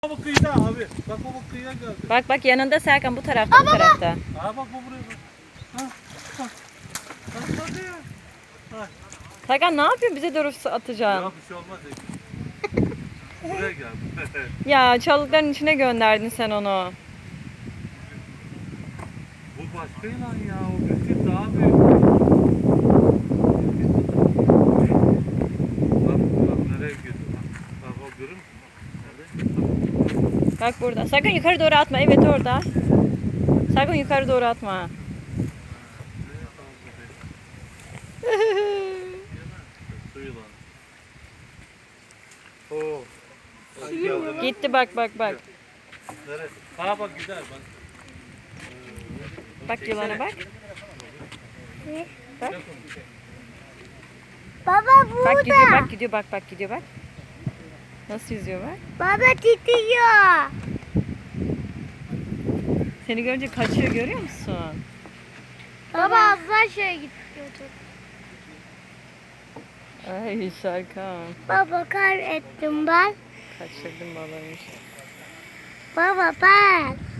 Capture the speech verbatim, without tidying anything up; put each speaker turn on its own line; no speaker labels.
Bak kıyıda abi. Bak o kıyıya geldi.
Bak bak yanında Serkan, bu tarafta, bu tarafta.
Aa bak bu buraya bak. Ha. Bak. Bak hadi ya. Ha.
Serkan ne yapıyorsun, bize doğru
Ya
atacaksın?
bir şey olmaz. Buraya gel.
Ya çalılıkların içine gönderdin sen onu.
Bu başka yılan ya. O büyük daha büyük. Bak bak nereye gidiyor. Bak o görür müsün? Nerede?
Bak burada. Serkan yukarı doğru atma. Evet orada. Serkan yukarı doğru atma.
Su yılanı. Oo. Ay, geldi.
Gitti bak bak bak.
Neresi? Ha bak gider bak.
Bak yılana bak. Bak.
Baba burada.
Bak gidiyor bak gidiyor bak bak gidiyor bak. Nasıl yüzüyor bak.
Baba titriyor.
Seni görünce kaçıyor, görüyor musun?
Baba az daha şeye gidiyordu.
Ay Serkan.
Baba kaybettim ben.
Kaçırdım balığını.
Baba ben.